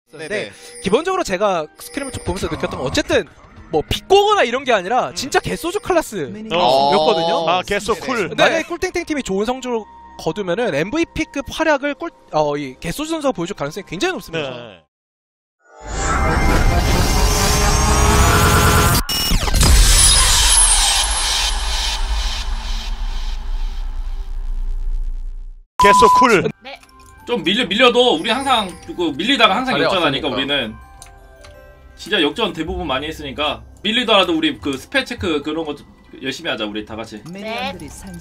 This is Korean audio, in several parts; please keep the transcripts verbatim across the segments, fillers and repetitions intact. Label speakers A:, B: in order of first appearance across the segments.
A: 근데 기본적으로 제가 스크림을 쭉 보면서 느꼈던 건 어쨌든 뭐 비꼬거나 이런 게 아니라 진짜 개소주 클래스였거든요.
B: 어. 아 개소 쿨.
A: 근데 만약에 꿀땡땡 팀이 좋은 성적을 거두면은 엠브이피급 활약을 꿀, 어, 이 개소주 선수가 보여줄 가능성이 굉장히 높습니다.
B: 네. 개소 쿨.
C: 네. 좀 밀려 밀려도 우리 항상 그 밀리다가 항상 역전하니까 우리는 진짜 역전 대부분 많이 했으니까 밀리더라도 우리 그 스펠 체크 그런 거 좀 열심히 하자 우리 다 같이.
D: 네.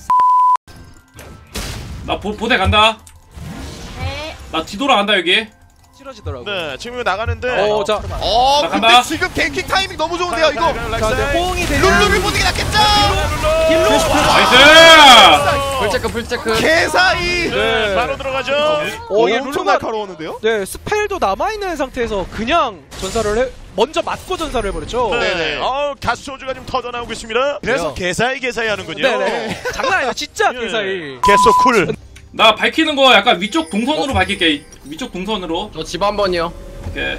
C: 나 보, 보대 간다.
D: 네.
C: 나 뒤돌아 간다 여기.
A: 싫어지더라고.
B: 네, 지금 나가는데.
A: 어, 자,
E: 어,
C: 나
E: 근데
C: 간다.
E: 지금 갱킹 타이밍 너무 좋은데요, 이거.
A: 자, 네, 호응이 되는
E: 룰루비 보는 게 낫겠죠?
A: 딜로.
C: 나이스.
F: 풀체크 풀체크.
E: 개사이.
B: 네, 바로 들어가죠.
A: 어, 이게
E: 엄청
A: 룰루가
E: 날카로웠는데요?
A: 네, 스펠도 남아있는 상태에서 그냥 전사를 해, 먼저 맞고 전사를 해버렸죠.
B: 네,
E: 네네.
B: 어, 가스소주가 지금 터져 나오고 있습니다. 그래서
A: 그래요.
B: 개사이 개사이 하는군요.
A: 네네. 장난 아니에요, 진짜
B: 예.
A: 개사이.
B: 개소 쿨.
C: 나 밝히는 거 약간 위쪽 동선으로 밝힐게. 위쪽 동선으로.
F: 저 집 한 번이요.
C: 오케이.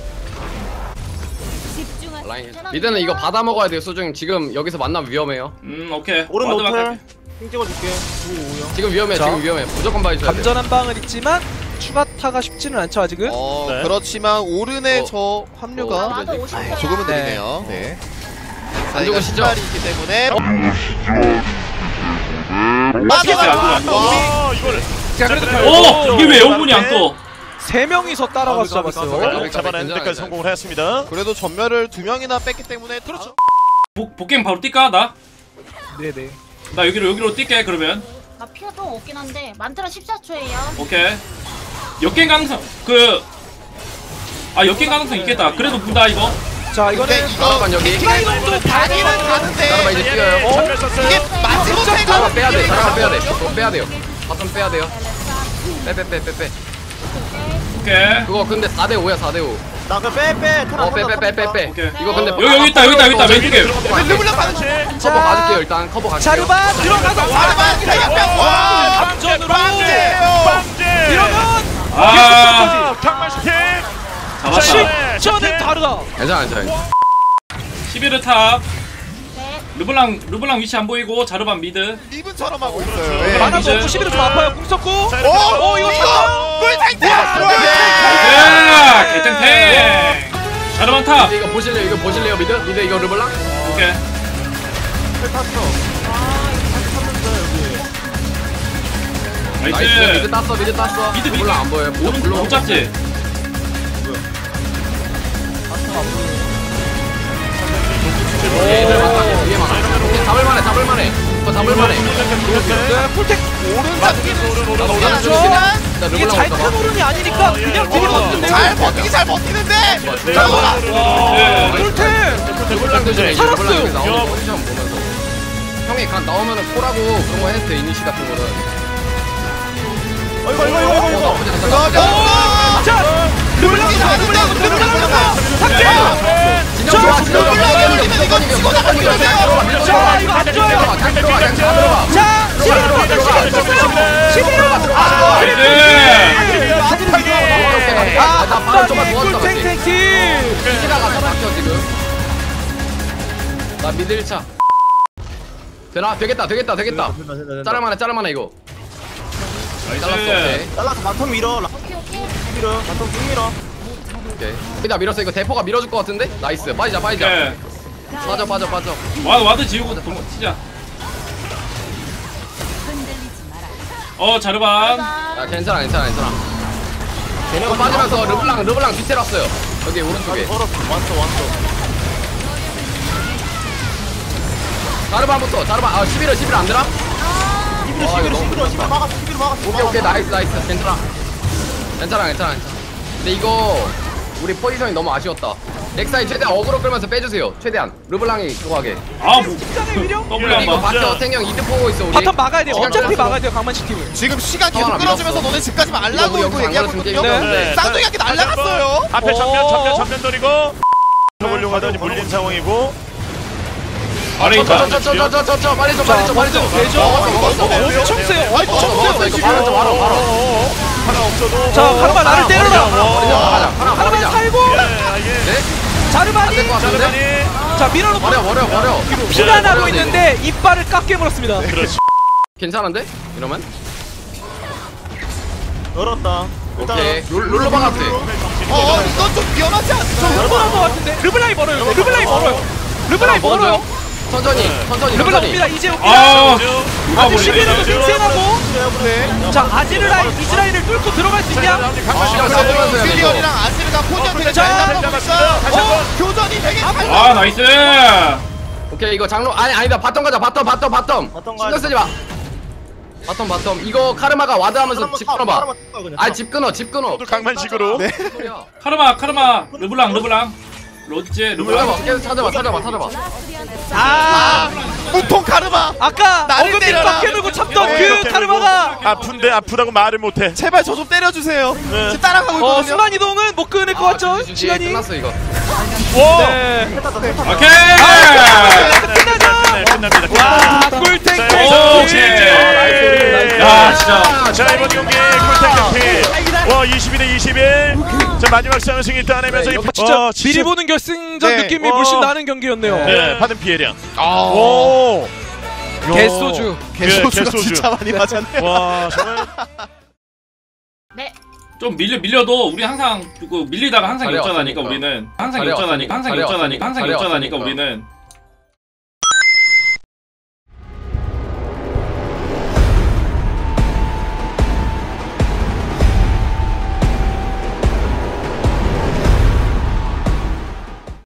F: 라인. 미드는 이거 받아 먹어야 돼요, 소중님. 지금 여기서 만나면 위험해요.
C: 음 오케이.
G: 오른
C: 와드
G: 노플
C: 갈게.
G: 핑 찍어줄게. 오오요.
F: 지금 위험해,
A: 자.
F: 지금 위험해. 무조건 봐줘야 돼.
A: 감전 한 방은 있지만 추가타가 쉽지는 않죠 아직은.
E: 어,
B: 네.
E: 그렇지만 오른의
F: 어.
E: 저 합류가
F: 어,
D: 나도 오십
E: 아유,
D: 초야.
E: 조금은
A: 네.
E: 느리네요. 네. 자,
F: 안
E: 이거
F: 죽으시죠?
E: 신발이 있기 때문에
C: 맞아, 맞아.
B: 어, 이걸.
A: 자, 그래도
C: 오 이게 왜 영분이 안 떠?
A: 세 명이서 따라가서
G: 아, 그, 그, 그,
A: 잡았어요.
G: 그, 그,
B: 어, 잡아내는 데까지 성공을 했습니다.
E: 그래도 전멸을 두 명이나 뺐기 때문에 그렇죠.
C: 복 복갱 바로 뛸까 나?
A: 네네.
C: 나 여기로 여기로 뛸게 그러면.
D: 나 피가 좀 없긴 한데 만트라 십사 초예요.
C: 오케이. 역갱 가능성 그. 아 역갱 가능성 있겠다. 그래도 본다 이거.
A: 자,
E: 근데
A: 이거는
E: 이거
F: 잠깐만, 여기.
E: 플라이dom도 가기는
F: 잠깐만
E: 가는데
F: 이제 뛰어요.
B: 전멸 썼어요.
E: 이게 마지막
F: 잠깐만
E: 생각
F: 빼야 돼, 잠깐만 빼야 돼. 그거 빼야 돼요. 바텀 빼야 돼요. 빼 빼 빼 빼 빼.
C: 오케이.
F: 그거 근데 사 대 오야 사 대 오.
G: 나그 빼빼.
F: 어 빼 빼 빼 빼 빼.
C: 오케이.
F: 이거 근데
C: 여기 여기 있다 여기 있다 여기 있다 왼쪽에.
E: 르블랑 가는 중.
F: 커버 가줄게요 일단. 커버 가줄게요.
A: 자르바 들어가서
E: 자르반 대역병. 와!
A: 감전으로
B: 빵제.
A: 이러면
C: 아
B: 강만 슈팅.
C: 잡았다.
A: 저는 다르다.
F: 괜찮아 괜찮아.
C: 십일 탑.
D: 네.
C: 르블랑 르블랑 위치 안 보이고 자르반 미드.
E: 리븐처럼 하고 있어요.
B: 그렇죠.
E: 예.
A: 만화
C: 이제-
A: 없고 십일은 좀 아파요. 궁 썼고.
E: 오,
A: 어, 이거
E: 이거 꿀탱탱.
C: 야 개탱탱. 자르반 탑.
F: 이거 보실래요? 이거 보실래요 미드? 미드 이거 르블랑?
C: 오케이.
F: 나이스. 미드
C: 나이스.
F: 땄어 미드 땄어.
C: 미드, 미드.
F: 르블랑 안 보여요.
C: 오른
F: 르블랑
C: 못 잡지.
F: 얘들 많다. 뒤에 많아. 오케이 잡을만해 잡을만해. 이거 잡을만해.
A: 네, 풀텍
E: 오른잡기
F: 나도 오른
A: 그렇죠.
F: 쪽이긴 해. 나
A: 이게
F: 르블랑
A: 잘
F: 올까 봐.
A: 큰 오른이 아니니까 그냥 딜이 맞는데요.
E: 잘 버티기 잘 버티는데. 잠깐만.
C: 네.
A: 풀텍
F: 르블랑 조심해. 이제
A: 살았어요.
F: 르블랑 여기 나오는 포지션 보면서. 형이 간 나오면은 콜하고 그런 거 해도 돼 이니시 같은 거는.
G: 이거 이거 이거
F: 어,
G: 이거.
F: 나쁘지 않다. 나쁘지 않다.
E: 어,
A: 자, 르블랑 르블랑 르블랑 르블랑 삭제.
F: 진영 좋아 진영 좋아.
E: 르블랑 이거 치고 나가는 거예요.
A: 자, 이거 안 좋아요.
F: 잘 들어가 잘 들어가.
A: 자, 십일은
F: 들어가.
A: 십일은
F: 아,
C: 나이스.
F: 아, 나 바로 좀만 도왔다 맞지?
A: 꿀탱탱팀.
F: 시즈가 가서 막혀 지금. 나 미드 일 차. 되나? 되겠다 되겠다 되겠다. 자를만해 자를만해 이거. 잘랐어
C: 나이스.
F: 오케이.
G: 잘라서 바텀 밀어.
D: 오케이 오케이.
G: 밀어. 바텀 쭉 밀어.
F: 오케이. 여기다 밀었어 이거 대포가 밀어줄 것 같은데? 나이스 빠지자 빠지자.
C: 오케이.
F: 빠져 빠져 빠져.
C: 와드 와드 지우고 도망 치자. 어 자르반.
F: 야 괜찮아 괜찮아 괜찮아. 이거 빠지면서 르블랑 르블랑 뒤태로 왔어요. 여기 오른쪽에.
G: 걸었어. 왔어 왔어.
F: 자르반부터 자르반. 아 십일은 십일 안 되나?
G: 십일어 십일어 십일어 십일어 막았어. 십일어 막았어.
F: 오케이 오케이 나이스 나이스 괜찮아. 괜찮아 괜찮아 괜찮아. 근데 이거 우리 포지션이 너무 아쉬웠다. 넥사이 최대한 어그로 끌면서 빼주세요. 최대한 르블랑이 그거 하게.
C: 아 뭐.
A: 직장의 위력?
C: 더블
F: 이거
C: 한 번.
F: 바텀 생형 이득 보고 있어 우리.
A: 바텀 막아야 돼요.
F: 시간
A: 어차피
F: 끌었어.
A: 막아야 돼요. 강만식 팀은.
E: 지금 시간 계속
F: 하나
E: 끌어주면서
F: 밀었어.
E: 너네 집까지
F: 이거
E: 말라고
F: 우리
E: 이거
F: 영상
E: 얘기하고
F: 안
E: 있거든요.
F: 걸었으면
A: 네.
E: 쌍둥이한테 날라갔어요.
B: 앞에 전면
A: 어.
B: 전면 전면 돌리고. 보려고 하더니 물린 상황이고.
C: 아래 있다.
F: 저저저저저저 빨리 좀 빨리 좀 빨리 좀.
A: 되죠?
F: 먹었어 먹었어 먹었어.
A: 엄청 세요.
E: 아이,
A: 엄청
F: 먹었어
A: 세요.
F: 이거 바로 좀 바로 바로.
B: 하나 없어도.
A: 자, 한발 나를 때려라.
F: 버리자 버리자. 하나 하나 버리자.
A: 자르반이
F: 안될것 같은데?
B: 자르반이
A: 자 밀어놓고
F: 버려 버려 버려.
A: 피가 나고 있는데 이빨을 깎게 물었습니다.
B: 그렇지.
F: 괜찮은데? 이러면?
G: 열었다.
F: 오케이. 롤, 롤러 박아도 돼.
E: 어 이건 좀 위험하지 않죠?
A: 르블랑 것 같은데 르블랑이 멀어요. 근데 르블랑이 멀어요. 르블랑이 멀어요.
F: 천천히 천천히
A: 르블랑
F: 천천히.
A: 옵니다. 이제 옵니다.
C: 아 누가
A: 아직
C: 몰래
A: 시비로도
B: 몰리네.
A: 빅생하고
E: 네.
A: 자 아지르라인 이즈라인을 뚫고 들어갈 수 있냐?
F: 아,
E: 그리고
F: 잡으면서 해야 돼,
E: 윌리언이랑 아스르가 포지션을
A: 자,
E: 잘 잡고 있어요.
B: 다시 한번.
E: 교전이 되게 잘
C: 아 나이스
F: 오케이 이거 장로 아니 아니다 바텀 가자 바텀 바텀 바텀.
G: 바텀
F: 신경
G: 가자.
F: 쓰지 마. 바텀 바텀 이거 카르마가 와드하면서 집 끊어봐. 아집 끊어 집 끊어.
B: 또 강만식으로.
E: 네.
F: 소리야.
C: 카르마 카르마 르블랑 르블랑 로드제 르블랑
F: 찾아봐 계속 찾아봐 찾아봐 찾아봐.
A: 아
E: 무통 카르마.
A: 아까
E: 나를
A: 어금니
E: 때려라.
A: 빡 해놓고 참던
B: 네,
A: 그
B: 이렇게
A: 카르마가
B: 아픈데 아프다고 말을 못해.
E: 제발 저 좀 때려주세요.
B: 네.
E: 지금 따라가고
A: 어
E: 있거든요.
A: 순간 이동은 못 끊을 것 같죠?
F: 주지, 주지.
A: 시간이
F: 끝났어 이거.
B: 와.
A: 네.
C: 오케이
B: 네, 끝납니다.
A: 와 꿀탱
C: 오,
A: 탱
C: 오케이. 야 진짜
B: 자 이번 경기 꿀탱 경기. 와 이십이 대 이십일. 자 마지막 싸움 승리 따내면서
A: 네,
B: 이
A: 진짜
B: 와,
A: 미리 보는 결승전
E: 네.
A: 느낌이
B: 어.
A: 물씬 나는 경기였네요.
B: 네, 받은 피해량.
E: 아.
B: 오.
A: 개소주.
E: 개소주가
B: 네, 개소주.
E: 진짜 많이 맞았네.
B: 와 정말.
D: 네.
C: 좀 밀려 밀려도 우리 항상 그 밀리다가 항상
F: 잘해
C: 역전하니까
F: 왔으니까.
C: 우리는 항상
F: 잘해
C: 역전하니까 항상
F: 왔으니까.
C: 역전하니까 항상
F: 잘해
C: 역전하니까
F: 왔으니까.
C: 우리는